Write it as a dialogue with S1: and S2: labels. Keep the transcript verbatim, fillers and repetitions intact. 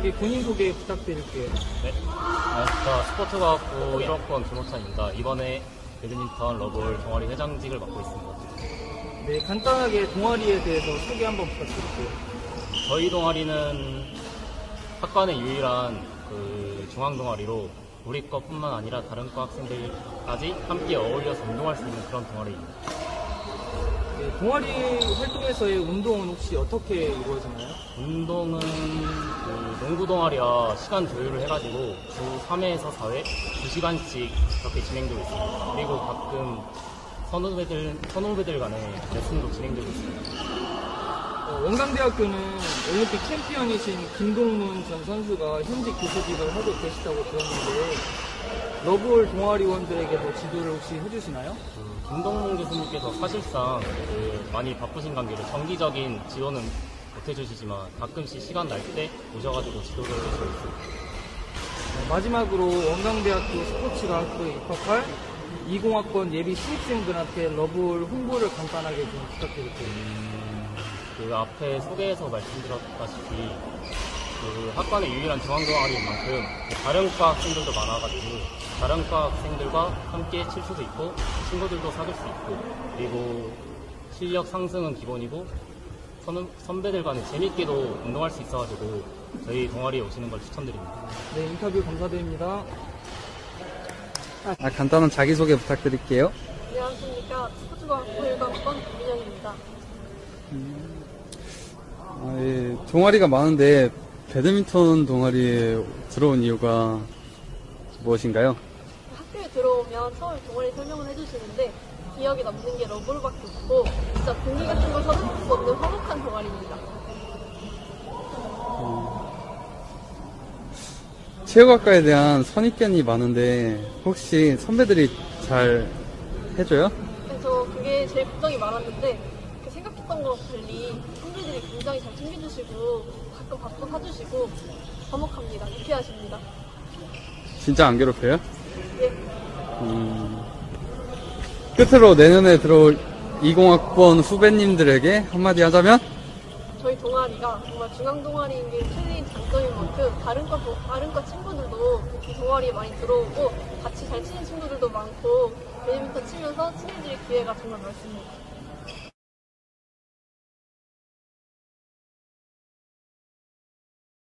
S1: 간단하게 본인 소개 부탁드릴게요.
S2: 네, 안녕하십니까. 스포츠과학부 일 학번 김호찬입니다. 이번에 배드민턴 러블 동아리 회장직을 맡고 있습니다.
S1: 네, 간단하게 동아리에 대해서 소개 한번 부탁드릴게요.
S2: 저희 동아리는 학과내 유일한 그 중앙 동아리로 우리 과뿐만 아니라 다른 과 학생들까지 함께 어울려서 운동할 수 있는 그런 동아리입니다.
S1: 네, 동아리 활동에서의 운동은 혹시 어떻게 이루어지나요?
S2: 운동은 그 농구 동아리와 시간 조율을 해가지고 주 삼 회에서 사 회 두 시간씩 그렇게 진행되고 있습니다. 그리고 가끔 선후배들, 선후배들 간의 레슨도 진행되고 있습니다.
S1: 어, 원광대학교는 올림픽 챔피언이신 김동문 전 선수가 현직 교수직을 하고 계시다고 들었는데 러블 동아리원들에게도 지도를 혹시 해주시나요?
S2: 그 김동문 교수님께서 사실상 그 많이 바쁘신 관계로 정기적인 지원은 못 해주시지만 가끔씩 시간 날 때 오셔가지고 지도를 해주시고 있습니다.
S1: 네, 마지막으로 원광대학교 스포츠과학부에 입학할 이십 학번 예비 신입생들한테 러블 홍보를 간단하게 좀 부탁드릴게요.
S2: 음, 그 앞에 소개에서 말씀드렸다시피 그 학과의 유일한 중앙 동아리인 만큼 다른 과 학생들도 많아가지고 다른 과 학생들과 함께 칠 수도 있고 친구들도 사귈 수 있고 그리고 실력 상승은 기본이고 선, 선배들 간에 재밌게도 운동할 수 있어가지고 저희 동아리에 오시는 걸 추천드립니다.
S1: 네, 인터뷰 감사드립니다.
S3: 아, 간단한 자기소개 부탁드릴게요.
S4: 안녕하십니까. 스포츠과학부 일 학번 김민영입니다.
S3: 아, 예, 동아리가 많은데 배드민턴 동아리에 들어온 이유가 무엇인가요?
S4: 학교에 들어오면 처음에 동아리 설명을 해주시는데 기억에 남는 게 러블밖에 없고 진짜 공기 같은 걸 서둘러 수 없는 화목한 동아리입니다.
S3: 체육학과에 대한 선입견이 많은데 혹시 선배들이 잘 해줘요?
S4: 그래서 그게 제일 걱정이 많았는데 그 생각했던 거랑 달리 선배들이 굉장히 잘 챙겨주시고 가끔 밥도 사주시고 화목합니다. 유쾌하십니다.
S3: 진짜 안 괴롭혀요?
S4: 예.
S3: 음, 끝으로 내년에 들어올 이십 학번 후배님들에게 한마디 하자면?
S4: 저희 동아리가 정말 중앙 동아리인 게 최대인 장점인 만큼 다른 과, 다른 과 친구들도 이 동아리에 많이 들어오고 같이 잘 치는 친구들도 많고 배드민턴 치면서 친해질 기회가 정말 많습니다.